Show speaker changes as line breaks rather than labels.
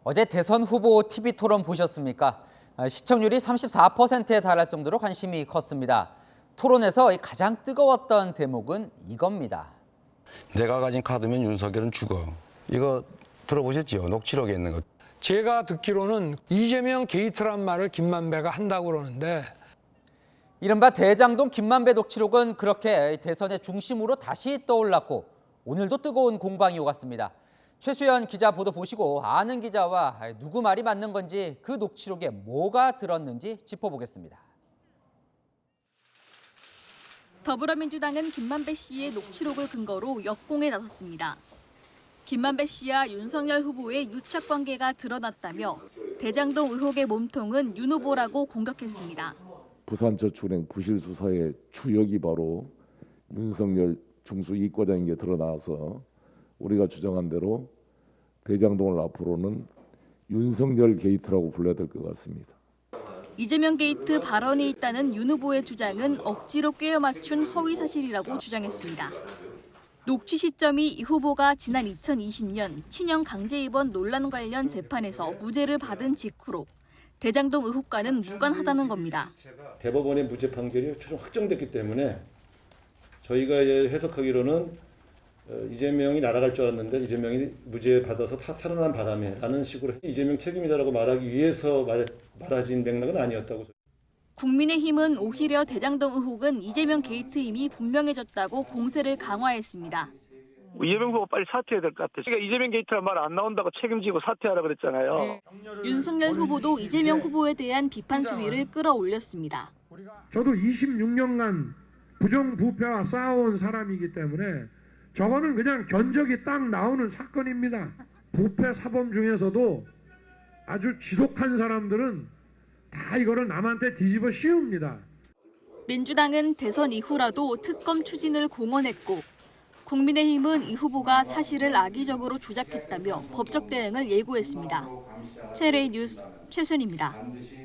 어제 대선 후보 TV 토론 보셨습니까? 시청률이 34%에 달할 정도로 관심이 컸습니다. 토론에서 가장 뜨거웠던 대목은 이겁니다.
내가 가진 카드면 윤석열은 죽어. 이거 들어보셨죠? 녹취록에 있는 거.
제가 듣기로는 이재명 게이트란 말을 김만배가 한다고 그러는데
이른바 대장동 김만배 녹취록은 그렇게 대선의 중심으로 다시 떠올랐고 오늘도 뜨거운 공방이 오갔습니다. 최수연 기자 보도 보시고 아는 기자와 누구 말이 맞는 건지 그 녹취록에 뭐가 들었는지 짚어보겠습니다.
더불어민주당은 김만배 씨의 녹취록을 근거로 역공에 나섰습니다. 김만배 씨와 윤석열 후보의 유착 관계가 드러났다며 대장동 의혹의 몸통은 윤 후보라고 공격했습니다.
부산저축은행 부실 수사의 주역이 바로 윤석열 중수 이과장인 게 드러나서 우리가 주장한 대로 대장동을 앞으로는 윤석열 게이트라고 불러야 될 것 같습니다.
이재명 게이트 발언이 있다는 윤 후보의 주장은 억지로 꿰어 맞춘 허위 사실이라고 주장했습니다. 녹취 시점이 이 후보가 지난 2020년 친형 강제 입원 논란 관련 재판에서 무죄를 받은 직후로 대장동 의혹과는 무관하다는 겁니다.
대법원의 무죄 판결이 최종 확정됐기 때문에 저희가 해석하기로는 이재명이 날아갈 줄 알았는데 이재명이 무죄 받아서 다 살아난 바람에 라는 식으로 이재명 책임이다라고 말하기 위해서 말하진 맥락은 아니었다고.
국민의힘은 오히려 대장동 의혹은 이재명 게이트임이 분명해졌다고 공세를 강화했습니다.
이재명 후보 빨리 사퇴해야 될 것 같아요. 그러니까 이재명 게이트란 말 안 나온다고 책임지고 사퇴하라 그랬잖아요.
윤석열 후보도 이재명 후보에 대한 비판 수위를 끌어올렸습니다.
저도 26년간 부정부패와 싸워온 사람이기 때문에 저거는 그냥 견적이 딱 나오는 사건입니다. 부패 사범 중에서도 아주 지독한 사람들은 다 이거를 남한테 뒤집어 씌웁니다.
민주당은 대선 이후라도 특검 추진을 공언했고 국민의힘은 이 후보가 사실을 악의적으로 조작했다며 법적 대응을 예고했습니다. 최레이 뉴스 최순입니다.